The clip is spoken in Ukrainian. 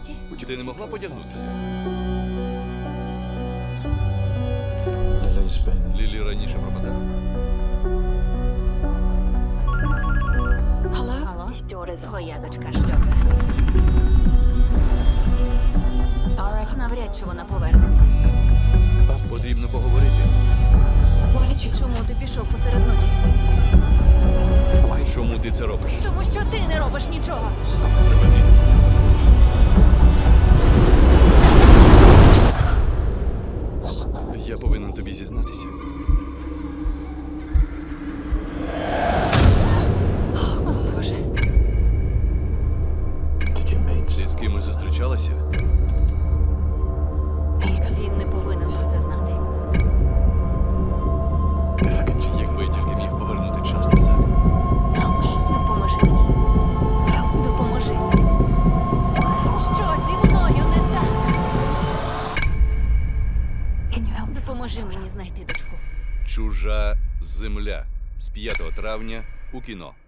комплекті. Ти не могла подягнутися? Lily's been Лілі раніше пропадала. Алло? Твоя дочка шльока. Навряд чи вона повернеться. Потрібно поговорити. Чому ти пішов посеред ночі? Чому ти це робиш? Тому що ти не робиш нічого. Припини. Я повинен тобі зізнатися. О, Боже. did you meet? Ти з кимось зустрічалася? Він не повинен про це знати. If I could just Якби я тільки міг повернути час назад. Допоможи мені. Допоможи. Що зі мною не так? can you help? Допоможи мені знайти дочку. Чужа земля з 5 травня у кіно.